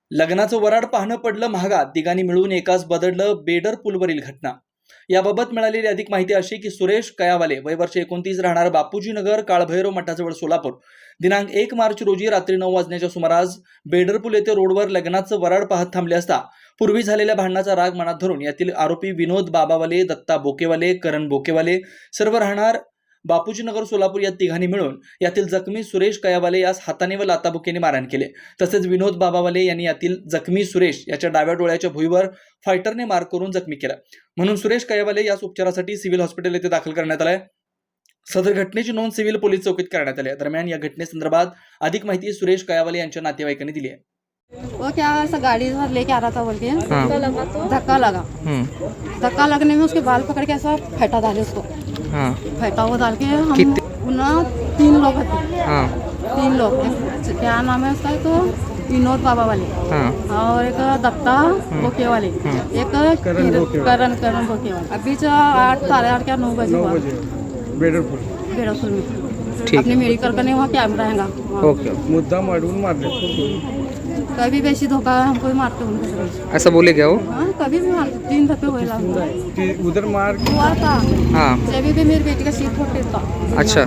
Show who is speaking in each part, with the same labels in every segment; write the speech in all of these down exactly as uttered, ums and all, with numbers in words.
Speaker 1: लग्नाचं वराड पाहणं पडलं महागात, तिघांनी मिळून एकाच बदललं बेडर पूलवरील घटना। याबाबत मिळालेली अधिक माहिती अशी की सुरेश कयावाले वय वर्ष एकोणतीस राहणार बापूजी नगर काळभैरव मठाजवळ सोलापूर दिनांक एक मार्च रोजी रात्री नऊ वाजण्याच्या सुमारास बेडरपूल येथे रोडवर लग्नाचं वराड पाहत थांबले असता पूर्वी झालेल्या भांडणाचा राग मनात धरून यातील आरोपी विनोद बाबावाले, दत्ता बोकेवाले, करण बोकेवाले सर्व राहणार बापूजी नगर सोलापूर या तिघांनी मिळून यातील जखमी सुरेश कयावाले यास हाताने व लाताबुक्याने मारहाण केले। तसेच विनोद बाबावाले यांनी यातील जखमी सुरेश याच्या डाव्या डोळ्याच्या भुईवर फायटरने मार करून जखमी केला, म्हणून सुरेश कयावाले यास उपचारासाठी सिव्हिल हॉस्पिटल येथे दाखल करण्यात आले। सदर घटनेची नोंद सिव्हिल पोलीस चौकीत करण्यात आली। दरम्यान या घटनेसंदर्भात अधिक माहिती सुरेश कयावाले यांच्या नातेवाईकांनी दिली आहे।
Speaker 2: वो क्या ऐसा गाड़ी से लेके आ रहा था बोल के धक्का लगा धक्का लगने में उसके बाल पकड़ के ऐसा फेंटा डाले उसको। हाँ। फेंटा वो डाल के हम ना तीन लोग थे। हाँ। तीन लोग क्या नाम है उसका, तो विनोद बाबा वाले। हाँ। और एक दत्ता बोके वाले। एक करण करण बोके वाले। अभी जो आठ साढ़े आठ क्या नौ बजे बेडरपुल बेडरपुल में अपने मेडिकल करने वहाँ कैमरा है।
Speaker 3: मुद्दा मारून मारले,
Speaker 2: कभी वैसी धोखा हमको मारते उनको।
Speaker 3: ऐसा बोले क्या वो?
Speaker 2: हाँ, कभी भी मारते, तीन धक्के हुए
Speaker 3: उधर मार
Speaker 2: हुआ था।
Speaker 3: हाँ।
Speaker 2: जब भी मेरी बेटी का सीट फोटे था।
Speaker 3: अच्छा।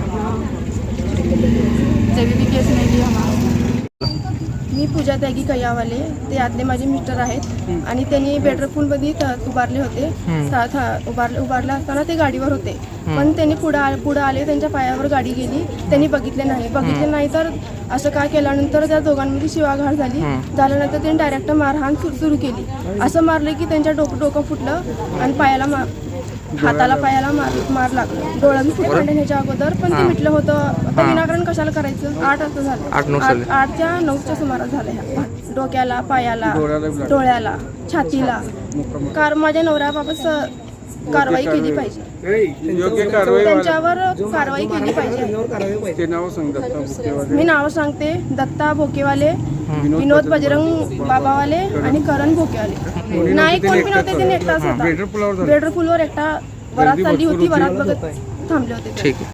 Speaker 2: जब भी केस नहीं लिया हमारा।
Speaker 4: मी पूजा त्यागी कयावाले, ते आतले माझे मिस्टर आहेत आणि त्यांनी बेडरपूलमध्ये उभारले होते। उभारले उभारला असताना ते गाडीवर होते, पण त्यांनी पुढे पुढे आले, त्यांच्या पायावर गाडी गेली, त्यांनी बघितले नाही बघितले नाही तर असं काय केल्यानंतर त्या दोघांमध्ये शिवाघाट झाली। झाल्यानंतर त्यांनी डायरेक्ट मारहाण सुरू केली। असं मारलं की त्यांच्या डोकं डोकं फुटलं आणि पायाला मार हाताला पायाला मार मार लागला। डोळ्यात फुटलं ह्याच्या अगोदर, पण ते मिटलं होतं। आता विनाकारण कशाला करायचं? आठ वाजता झालं, आठच्या नऊच्या सुमारास झालं ह्या डोक्याला, पायाला, डोळ्याला, छातीला। कार माझ्या नवऱ्याबाबत कारवाई केली पाहिजे,
Speaker 3: योग्य कारवाई
Speaker 4: त्यांच्यावर कारवाई केली पाहिजे। मी नाव सांगते, दत्ता बोकेवाले, विनोद बजरंग बाबावाले आणि करण बोकेवाले। नाही कोण पण होते, ते एकटाच होता। बेडरपूलवर एकटा वरात चालली होती, वरात बघत थांबले होते।